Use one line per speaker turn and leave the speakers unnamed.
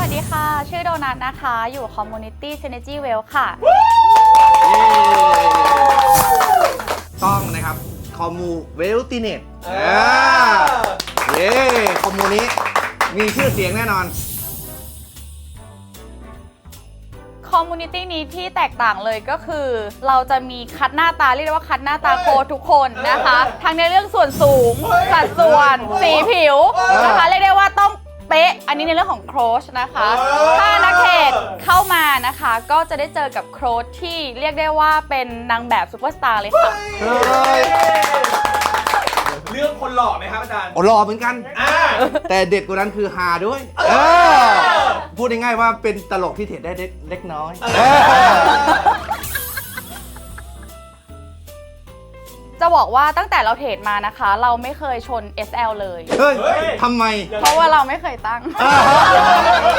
ดีค่ะชื่อโดนัทนะคะอยู่ Community Synergy Well ค่ะ
ต้องนะครับคอมมูเวลติเน็ตเย้คอมมูนี้มีชื่อเสียงแน่นอน
คอมมูนิตี้นี้ที่แตกต่างเลยก็คือเราจะมีคัดหน้าตาเรียกได้ว่าคัดหน้าตาโค้ชทุกคนนะคะทั้งในเรื่องส่วนสูงสัดส่วนสีผิวนะคะเรียกได้ว่าต้องเป๊ะอันนี้ในเรื่องของโค้ชนะคะถ้านักเทรดเข้ามานะคะก็จะได้เจอกับโค้ชที่เรียกได้ว่าเป็นนางแบบซูเปอร์สตาร์เลยค่ะ
เรื่องคนหล่อไหมครับอาจารย์
หล่อเหมือนกันแต่เด็ดกว่านั้นคือฮาด้วยพูดง่ายๆว่าเป็นตลกที่เทรดได้เล็กน้อย
จะบอกว่าตั้งแต่เราเทรดมานะคะเราไม่เคยชน SL เลย
เฮ้ยทำไม
เพราะว่าเราไม่เคยตั้ง